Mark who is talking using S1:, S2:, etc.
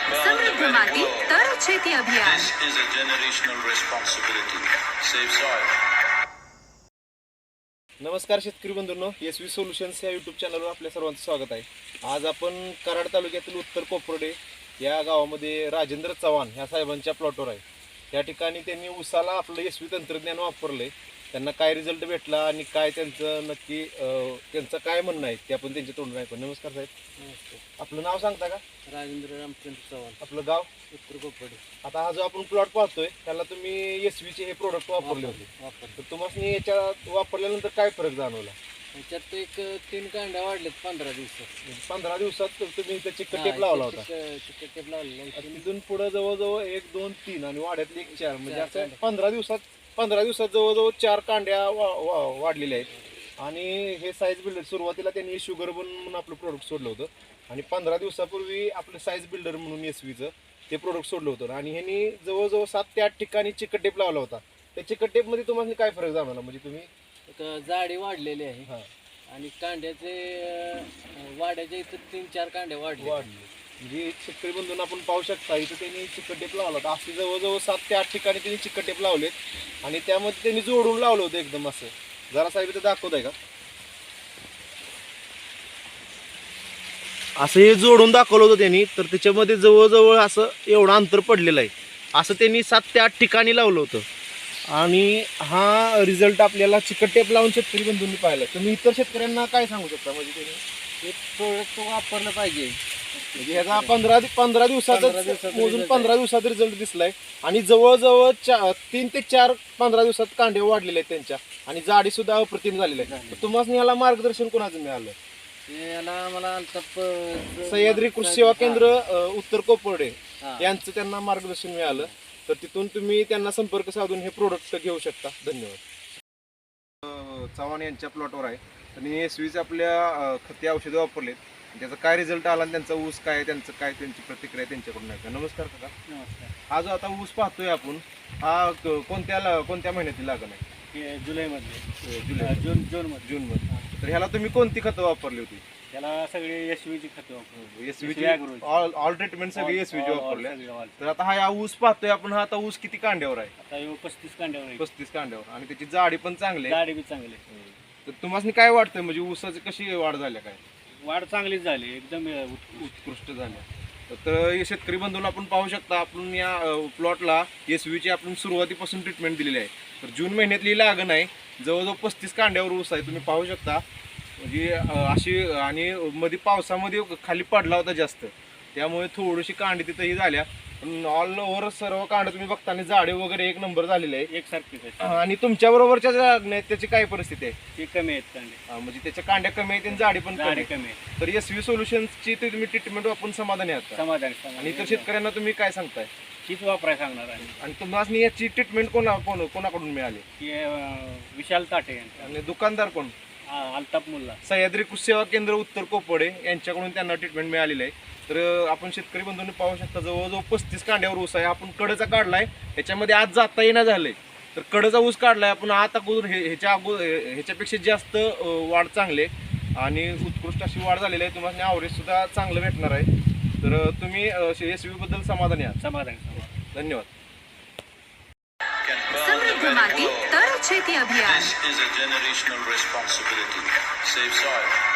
S1: समृद्ध माती तर शेती अभियान.
S2: This is a generational responsibility. Save soil.
S3: नमस्कार शेतकरी बंधूंनो, SV सोल्युशन्स या यूट्यूब चॅनलवर आपल्या सर्वांचं स्वागत आहे. आज आपण कराड तालुक्यातील उत्तर कोपर्डे या गावामध्ये राजेंद्र चव्हाण ह्या साहेबांच्या प्लॉटवर आहे. या ठिकाणी त्यांनी उसाला आपलं SV तंत्रज्ञान वापरले. त्यांना काय रिझल्ट भेटला आणि काय त्यांचं नक्की त्यांचं काय म्हणणं आहे ते आपण त्यांच्या तोंडून ऐकू. नमस्कार साहेब.
S4: नमस्कार.
S3: आपलं नाव सांगता का?
S4: राजेंद्र रामचंद्र चव्हाण,
S3: आपलं गाव?
S4: उत्तर कोपर्डे.
S3: आता हा जो आपण प्लॉट पाहतोय त्याला तुम्ही SVचे हे प्रोडक्ट वापरले होते. तर तुम्हाला याच्यात वापरल्यानंतर काय फरक जाणवला?
S4: त्याच्यात एक 3 कांड्या वाढलेत 15 दिवसात.
S3: 15 दिवसात तुम्ही इथं चिकट टेप लावला होता.
S4: चिकट टेप लावलेला.
S3: तिथून पुढे जवळजवळ 1 2 3 आणि वाड्यातली 1 4 म्हणजे असं 15 दिवसात जवळजवळ 4 कांड्या वाढलेल्या आहेत. आणि हे साईज बिल्डर सुरुवातीला त्यांनी शुगर बन म्हणून आपलं प्रोडक्ट सोडलं होतं आणि 15 दिवसापूर्वी आपलं साईज बिल्डर म्हणून SVचं ते प्रोडक्ट सोडलं होतं आणि ह्यांनी जवळजवळ 7 ते 8 ठिकाणी चिकट टेप लावला होता. त्या चिकट टेपमध्ये तुम्हाला काय फरक जाणवला? म्हणजे तुम्ही
S4: एक जाडी वाढलेली आहे
S3: हां
S4: आणि कांड्याचे वाड्याच्या इथं 3-4 कांड्या वाढले.
S3: म्हणजे शेतकरी बंधूंना आपण पाहू शकता इथं त्यांनी चिकट टेप लावला होता. असे जवळजवळ 7 ते 8 ठिकाणी त्यांनी चिकट टेप लावलेत आणि त्यामध्ये त्यांनी जोडून लावलं होतं एकदम असं. जरा साहेब इथं दाखवत आहे का? असं हे जोडून दाखवलं होतं त्यांनी. तर त्याच्यामध्ये जवळजवळ असं एवढं अंतर पडलेलं आहे. असं त्यांनी 7 ते 8 ठिकाणी लावलं होतं आणि हा रिझल्ट आपल्याला चिकट टेप लावून शेतकरी बंधूंनी पाहिला. तुम्ही इतर शेतकऱ्यांना काय सांगू शकता? म्हणजे त्यांनी
S4: हे प्रोडक्ट वापरलं पाहिजे.
S3: म्हणजे ह्याचा 15 दिवसात मोजून 15 दिवसात रिझल्ट दिसलाय आणि जवळजवळ 3 ते 4 15 दिवसात कांडे वाढलेले आहेत त्यांच्या आणि जाडी सुद्धा अप्रतिम झालेली आहे. तुम्हाला याला मार्गदर्शन कोणाचं मिळालं?
S4: याला मला
S3: सह्याद्री कृषी सेवा केंद्र उत्तर कोपर्डे यांचं त्यांना मार्गदर्शन मिळालं. तर तिथून तुम्ही त्यांना संपर्क साधून हे प्रोडक्ट घेऊ शकता. धन्यवाद. चव्हाण यांच्या प्लॉटवर आहे. त्यांनी SVचे आपल्या खते औषधं वापरलेत. त्याचा काय रिझल्ट आला आणि त्यांचा ऊस काय, त्यांचं काय, त्यांची प्रतिक्रिया त्यांच्याकडून आहे. नमस्कार काका.
S4: नमस्कार.
S3: हा जो आता ऊस पाहतोय आपण हा कोणत्या महिन्यातील लागण आहे?
S4: जुलैमध्ये
S3: जून मध्ये. तर ह्याला तुम्ही कोणती खतं वापरली होती?
S4: त्याला सगळे SVची खते वापरली.
S3: SVची ऑल ट्रीटमेंट सगळी SVची वापरली. तर आता हा ऊस पाहतोय आपण. हा आता ऊस किती कांड्यावर आहे?
S4: आता 35 कांड्यावर.
S3: 35 कांड्यावर आणि त्याची जाडी पण चांगली आहे.
S4: गाडी बी चांगली.
S3: तर तुम्हाला काय वाटतंय म्हणजे ऊसाची कशी वाढ झाली? काय
S4: वाढ चांगलीच झाली, एकदम
S3: उत्कृष्ट झाली. तर शेतकरी बंधूंना आपण पाहू शकता आपण या प्लॉटला SVची आपण सुरुवातीपासून ट्रीटमेंट दिलेली आहे. तर जून महिन्यातली लागण आहे. जवळजवळ 35 कांड्यावर ऊस आहे. तुम्ही पाहू शकता म्हणजे अशी आणि मध्ये पावसामध्ये खाली पडला होता जास्त, त्यामुळे थोडीशी कांडी तिथंही झाल्या. पण ऑल ओव्हर सर्व कांड तुम्ही बघताना जाडे वगैरे 1 नंबर झालेले आहे.
S4: एकसारखीच आहे.
S3: आणि तुमच्या बरोबरच्या ज्या त्याची काय परिस्थिती आहे?
S4: ते कमी आहेत कांडे.
S3: म्हणजे त्याच्या कांड्या कमी आहेत आणि जाडी पण
S4: कमी
S3: कमी.
S4: आहे.
S3: तर SV सोल्युशन्सची तुम्ही ट्रीटमेंट वापरून समाधानी आहात?
S4: समाधान.
S3: आणि इतर शेतकऱ्यांना तुम्ही काय सांगताय?
S4: हीच वापराय सांगणार आहे.
S3: आणि तुम्हाला याची ट्रीटमेंट कोणाकडून मिळाली?
S4: की विशाल ताटे यांचा.
S3: आणि दुकानदार कोण?
S4: अल्ताफ मुल्ला.
S3: सह्याद्री कृषी सेवा केंद्र उत्तर कोपर्डे यांच्याकडून त्यांना ट्रीटमेंट मिळालेली आहे. तर आपण शेतकरी बंधूंनी पाहू शकता जवळजवळ 35 कांड्यावर ऊस आहे. आपण कडचा काढलाय, ह्याच्यामध्ये आज जाता येणं झालंय. तर कडचा ऊस काढलाय आपण. आता ह्याच्यापेक्षा जास्त वाढ चांगली आणि उत्कृष्ट अशी वाढ झालेली आहे. तुम्हाला ॲव्हरेज सुद्धा चांगलं भेटणार आहे. तर तुम्ही SV बद्दल समाधानी आहात?
S4: समाधान.
S3: धन्यवाद.
S1: समृद्ध माती तर शेती अभियान.
S2: This is a generational responsibility. Save soil.